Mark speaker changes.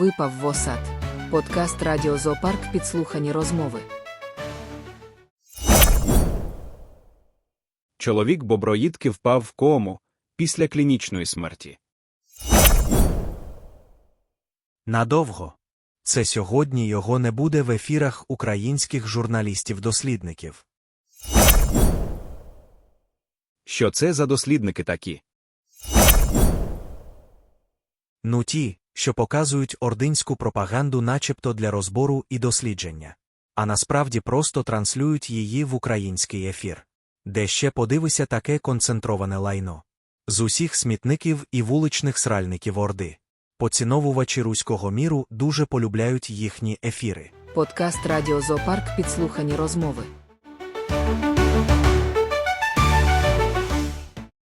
Speaker 1: Випав в осад. Подкаст Радіо Зоопарк підслухані розмови.
Speaker 2: Чоловік-боброїдки впав в кому після клінічної смерті.
Speaker 3: Надовго. Це сьогодні його не буде в ефірах українських журналістів-дослідників.
Speaker 2: Що це за дослідники такі?
Speaker 3: Ну ті, що показують ординську пропаганду начебто для розбору і дослідження. А насправді просто транслюють її в український ефір. Де ще подивися таке концентроване лайно. З усіх смітників і вуличних сральників Орди. Поціновувачі руського міру дуже полюбляють їхні ефіри.
Speaker 1: Подкаст Радіо Зоопарк підслухані розмови.